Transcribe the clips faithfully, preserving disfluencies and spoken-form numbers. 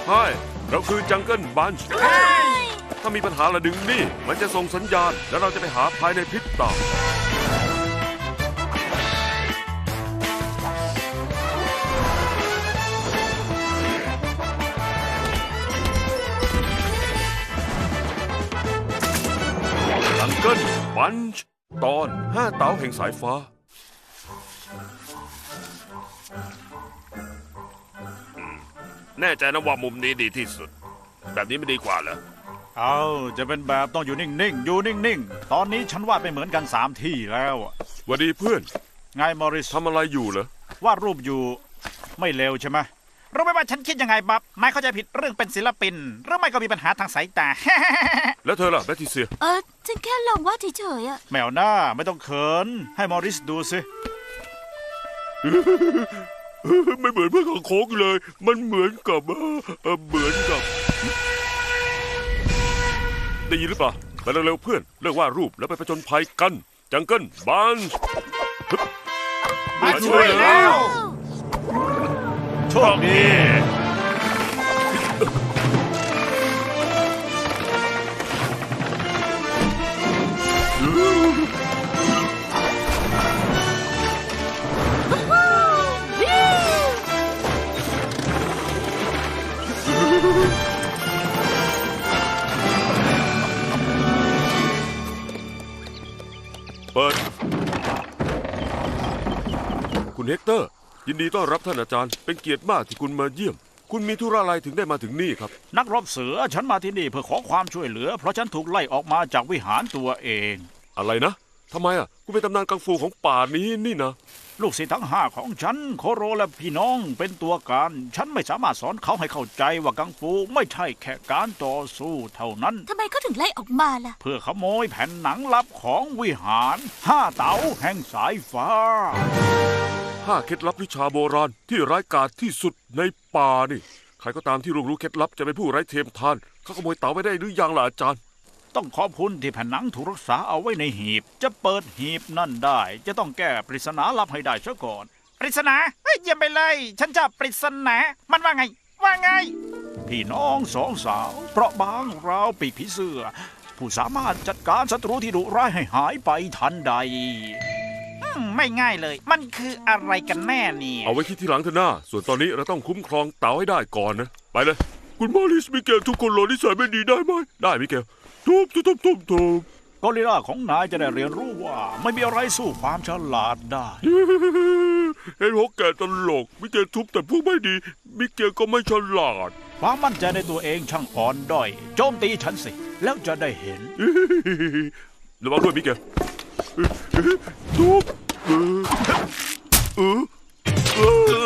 ใช่เราคือจังเกิลบันช์ถ้ามีปัญหาระดึงนี่มันจะส่งสัญญาณแล้วเราจะไปหาภายในพริบตาจังเกิลบันช์ตอนห้าเต๋าแห่งสายฟ้าแน่ใจนะว่ามุมนี้ดีที่สุดแบบนี้ไม่ดีกว่าเหรอเอาจะเป็นแบบต้องอยู่นิ่งๆอยู่นิ่งๆตอนนี้ฉันวาดไม่เหมือนกันสามที่แล้วสวัสดีเพื่อนไงมอริสทำอะไรอยู่เหรอวาดรูปอยู่ไม่เลวใช่ไหมรู้ไหมว่าฉันคิดยังไงบับนายเข้าใจผิดเรื่องเป็นศิลปินหรือไม่ก็มีปัญหาทางสายตาแล้วเธอล่ะแบทติเซียเออฉันแค่ลองวาดเฉยๆอะแมวหน้าไม่ต้องเขินให้มอริสดูสิไม่เหมือนเพื่อนของโค้กเลยมันเหมือนกับเออเหมือนกับได้ยินหรือเปล่าไปเร็วๆเพื่อนเลิกวาดรูปแล้วไปผจญภัยกันจังเกิลบันช์มาช่วยแล้วโชคดีเปิดคุณเฮกเตอร์ยินดีต้อนรับท่านอาจารย์เป็นเกียรติมากที่คุณมาเยี่ยมคุณมีธุระอะไรถึงได้มาถึงนี่ครับนักรบเสือฉันมาที่นี่เพื่อขอความช่วยเหลือเพราะฉันถูกไล่ออกมาจากวิหารตัวเองอะไรนะทำไมอ่ะคุณเป็นตำนานกังฟูของป่านี้นี่นะลูกศิษย์ทั้งห้าของฉันโคโรและพี่น้องเป็นตัวการฉันไม่สามารถสอนเขาให้เข้าใจว่ากังฟูไม่ใช่แค่การต่อสู้เท่านั้นทำไมเขาถึงไล่ออกมาล่ะเพื่อขโมยแผ่นหนังลับของวิหารห้าเต๋าแห่งสายฟ้าห้าเคล็ดลับวิชาโบราณที่ร้ายกาจที่สุดในป่านี่ใครก็ตามที่รู้รู้เคล็ดลับจะเป็นผู้ไร้เทียมทานเขาขโมยเต๋าไปได้หรือยังล่ะอาจารย์ต้องขอบคุณที่แผ่นหนังถูกรักษาเอาไว้ในหีบจะเปิดหีบนั่นได้จะต้องแก้ปริศนาลับให้ได้ซะก่อนปริศนาเฮ้ยเยี่ยมไปเลยฉันจะปริศนามันว่าไงว่าไงพี่น้องสองสาวเปราะบางราวปีกผีเสื้อผู้สามารถจัดการศัตรูที่ดุร้ายให้หายไปทันใดไม่ง่ายเลยมันคืออะไรกันแน่เนี่ยเอาไว้คิดทีหลังเถอะนะส่วนตอนนี้เราต้องคุ้มครองเต๋าให้ได้ก่อนนะไปเลยคุณมอริสมิเกลทุกคนรอนิสัยไม่ดีได้ไหมได้มิเกลทุบทุบทุบทุบทุบกอริลลาของนายจะได้เรียนรู้ว่าไม่มีอะไรสู้ความฉลาดได้เห็นหัวแก่ตลกมิเกลทุบแต่พวกไม่ดีมิเกลก็ไม่ฉลาดความมั่นใจในตัวเองช่างอ่อนด้อยโจมตีฉันสิแล้วจะได้เห็นระวังด้วยมิเกลทุบเออเออเอ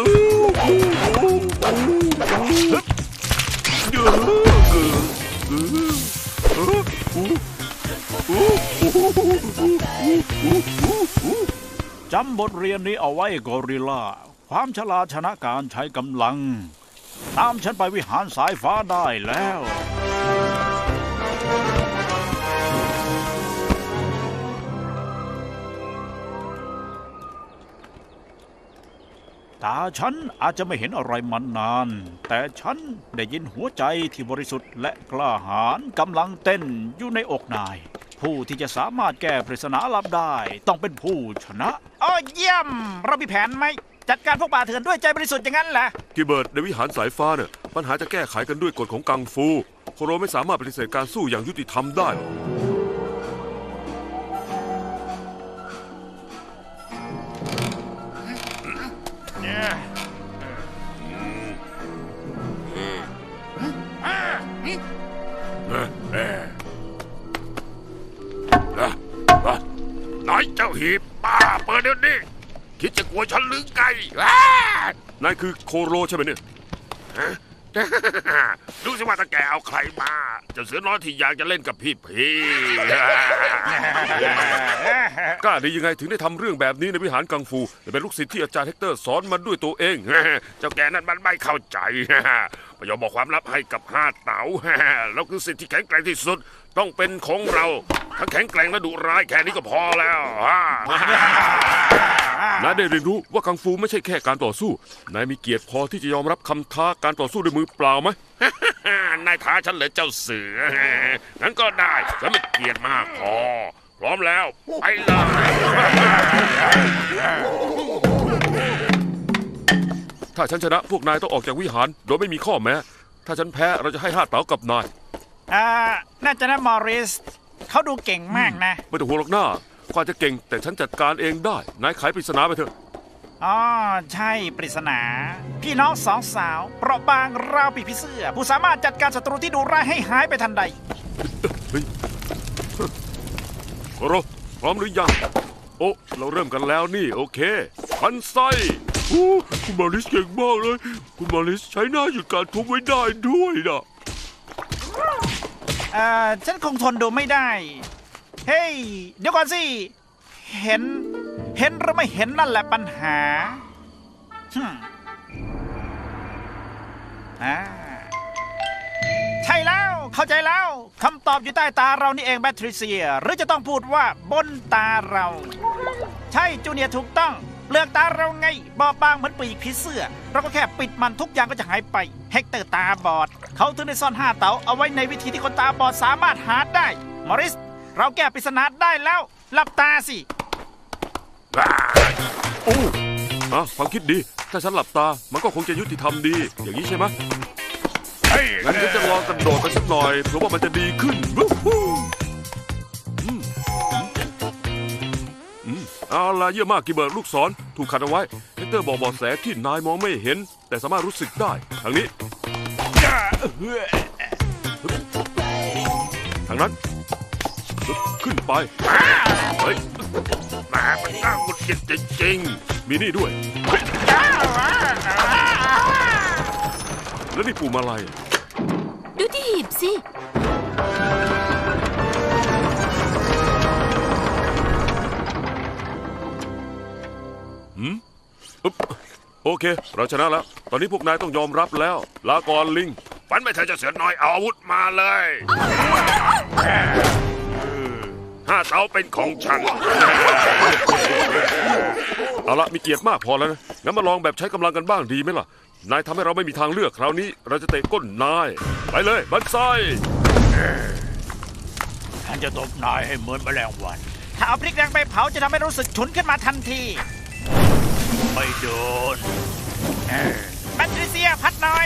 อจำบทเรียนนี้เอาไว้กอริลลาความฉลาดชนะการใช้กำลังตามฉันไปวิหารสายฟ้าได้แล้วตาฉันอาจจะไม่เห็นอะไรมานานแต่ฉันได้ยินหัวใจที่บริสุทธิ์และกล้าหาญกำลังเต้นอยู่ในอกนายผู้ที่จะสามารถแก้ปริศนาลับได้ต้องเป็นผู้ชนะอ๋อเยี่ยมเรามีแผนไหมจัดการพวกป่าเถื่อนด้วยใจบริสุทธิ์อย่างนั้นแหละกิเบิร์ตในวิหารสายฟ้าเนี่ยปัญหาจะแก้ไขกันด้วยกฎของกังฟูโคโรไม่สามารถปฏิเสธการสู้อย่างยุติธรรมได้นายเจ้าหีบป้าเปิดเดี๋ยวนี้คิดจะกลัวฉันหรือไงนายคือโคโรใช่ไหมเนี่ยดูสิว่าตาแกเอาใครมาเจ้าเสือน้อยที่อยากจะเล่นกับพี่พี่กล้าได้ยังไงถึงได้ทำเรื่องแบบนี้ในวิหารกังฟูแต่เป็นลูกศิษย์ที่อาจารย์เฮกเตอร์สอนมาด้วยตัวเองเจ้าแกนั้นมันไม่เข้าใจไม่ยอมบอกความลับให้กับห้าเต๋า แล้วคือสิ่งที่แข็งแกร่งที่สุด ต้องเป็นของเราทั้งแข็งแกร่งและดุร้ายแค่นี้ก็พอแล้วนายได้เรียนรู้ว่ากังฟูไม่ใช่แค่การต่อสู้ นายมีเกียรติพอที่จะยอมรับคำท้าการต่อสู้ด้วยมือเปล่าไหมนายท้าฉันเลยเจ้าเสือ งั้นก็ได้ฉันมีเกียรติมากพอ พร้อมแล้ว ไปเลยถ้าฉันชนะพวกนายต้องออกจากวิหารโดยไม่มีข้อแม้ ถ้าฉันแพ้เราจะให้ห้าเต๋ากับนายอ่า น่าจะนะมอริส เขาดูเก่งมากนะไม่ต้องห่วงหรอกหน้ากว่าจะเก่งแต่ฉันจัดการเองได้ นายไขปริศนาไปเถอะอ๋อ ใช่ปริศนา พี่น้องสองสาว เปราะบางราวปีกผีเสื้อ ผู้สามารถจัดการศัตรูที่ดูร้ายให้หายไปทันใดโคโรพร้อมหรือยัง โอ้เราเริ่มกันแล้วนี่โอเคพันไส้โอ้คุณมาริสเก่งมากเลย คุณมาริสใช้หน้าหยุดการทุบไว้ได้ด้วยนะเอ่อ ฉันคงทนดูไม่ได้ เฮ้ย เดี๋ยวก่อนสิ เห็น เห็นหรือไม่เห็นนั่นแหละปัญหาฮึมอ่า ใช่แล้ว เข้าใจแล้ว คำตอบอยู่ใต้ตาเรานี่เองแบทริเซีย หรือจะต้องพูดว่าบนตาเรา ใช่จูเนียร์ถูกต้อง เปลือกตาเราไง บอบบางเหมือนปีกผีเสื้อ เราก็แค่ปิดมันทุกอย่างก็จะหายไป เฮกเตอร์ตาบอด เขาถึงได้ซ่อนห้าเต๋าเอาไว้ในวิธีที่คนตาบอดสามารถหาได้ มอริส เราแก้ปริศนาได้แล้ว หลับตาสิโอ้อะความคิดดี ถ้าฉันหลับตา มันก็คงจะยุติธรรมดี อย่างนี้ใช่ไหมเฮ้ยงั้นฉันจะลองกระโดดไปสักหน่อยเผื่อว่ามันจะดีขึ้นวู้ฮู้อืมอืมเอาล่ะเยี่ยมมากกิเบิร์ตลูกศรถูกขัดเอาไว้เฮกเตอร์บอกเบาะแสที่นายมองไม่เห็น แต่สามารถรู้สึกได้ ทางนี้ ทางนั้น ขึ้นไป เฮ้ยแหมมันน่าหงุดหงิดจริงมีนี่ด้วย แล้วนี่ปุ่มอะไรดูที่หีบสิหืมอึ๊บโอเค เราชนะแล้ว ตอนนี้พวกนายต้องยอมรับแล้ว ลาก่อนลิงๆฝันไม่เธอเจะเสือน้อยเอาอาวุธมาเลยห้าเต๋าเป็นของฉันเอาละมีเกียรติมากพอแล้วนะ งั้นมาลองแบบใช้กำลังกันบ้างดีไหมล่ะ นายทำให้เราไม่มีทางเลือกคราวนี้ เราจะเตะก้นนาย ไปเลยบันไซฉันจะตบนายให้เหมือนแมลงวัน ถ้าเอาพริกแดงไปเผาจะทำให้รู้สึกฉุนขึ้นมาทันที ไม่โดนแบทริเซียพัดหน่อย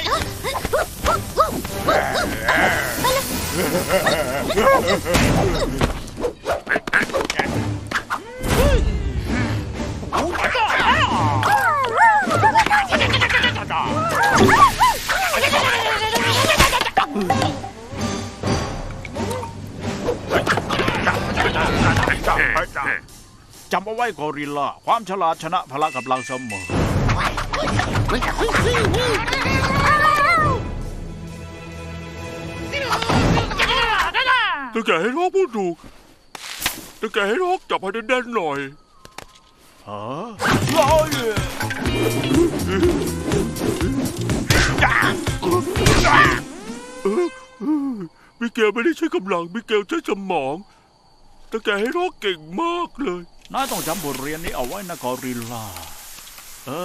จำเอาไว้กอริลลาความฉลาดชนะพละกำลังเสมอตะแกให้รอกพูดถูกตะแกให้รอกจับให้แน่นๆหน่อยฮะร้อยจ้าเออเออมิเกลไม่ได้ใช้กำลังมิเกลใช้สมองตะแกให้รอกเก่งมากเลยนายต้องจำบทเรียนนี้เอาไว้นะกอริลลา เอ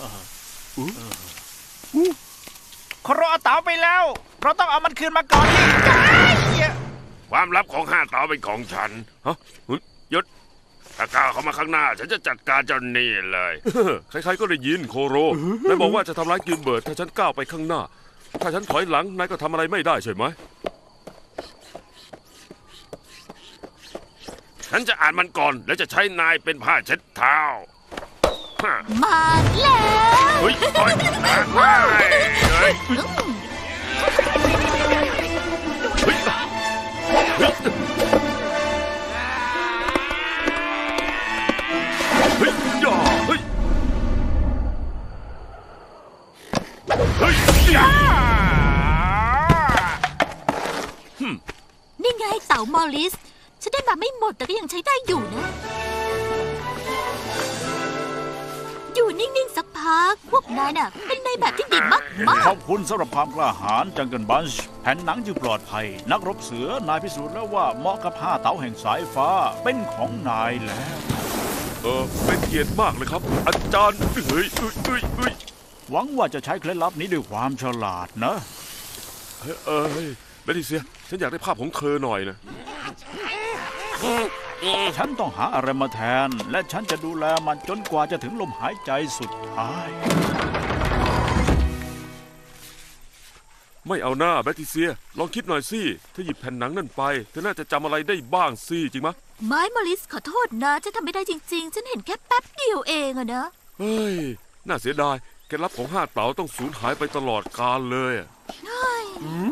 อโคโรเอาเต๋าไปแล้ว เราต้องเอามันคืนมาก่อนที่ความลับของห้าเต๋าเป็นของฉันฮะเฮ้ยหยุดถ้าก้าวเข้ามาข้างหน้า ฉันจะจัดการเจ้านี่เลยใครๆก็ได้ยินโคโรนายบอกว่าจะทำร้ายกิลเบิร์ตถ้าฉันก้าวไปข้างหน้า ถ้าฉันถอยหลังนายก็ทำอะไรไม่ได้ใช่ไหมฉันจะอ่านมันก่อน แล้วจะใช้นายเป็นผ้าเช็ดเท้าฮะมาแล้วเฮ้ยโอ๊ยเฮ้ยเฮ้ยเฮ้ยเฮ้ยเฮ้ยอย่าเฮ้ยเฮ้ยอย่านี่ไงเต่ามอริส ฉันได้มาไม่หมดแต่ก็ยังใช้ได้อยู่นะอยู่นิ่งๆสักพัก พวกนายน่ะ เป็นในายแบบที่ดีมากมากขอบคุณสำหรับความกล้าหาญจังเกิลบันช์แผ่นหนังจึงปลอดภัย นักรบเสือนายพิสูจน์แล้วว่าเหมาะกับห้าเต๋าแห่งสายฟ้าเป็นของนายแล้วเออเป็นเกียรติมากเลยครับ อาจารย์เฮ้ยเอ้ยเอ้ยเอ้ยหวังว่าจะใช้เคล็ดลับนี้ด้วยความฉลาดนะเฮ้ยเอ้ยเบติเซียฉันอยากได้ภาพของเธอหน่อยนะฉันต้องหาอะไรมาแทน และฉันจะดูแลมันจนกว่าจะถึงลมหายใจสุดท้ายไม่เอาหน้าแบติเซีย ลองคิดหน่อยสิถ้าหยิบแผ่นหนังนั่นไปเธอน่าจะจำอะไรได้บ้างสิจริงไหมะไม้มอลิสขอโทษนะฉันทำไม่ได้จริง ๆ ฉันเห็นแค่แป๊บเดียวเองอะนะเฮ้ย น่าเสียดายเคล็ดลับของห้าเต๋าต้องสูญหายไปตลอดกาลเลยอะเฮ้ยอืม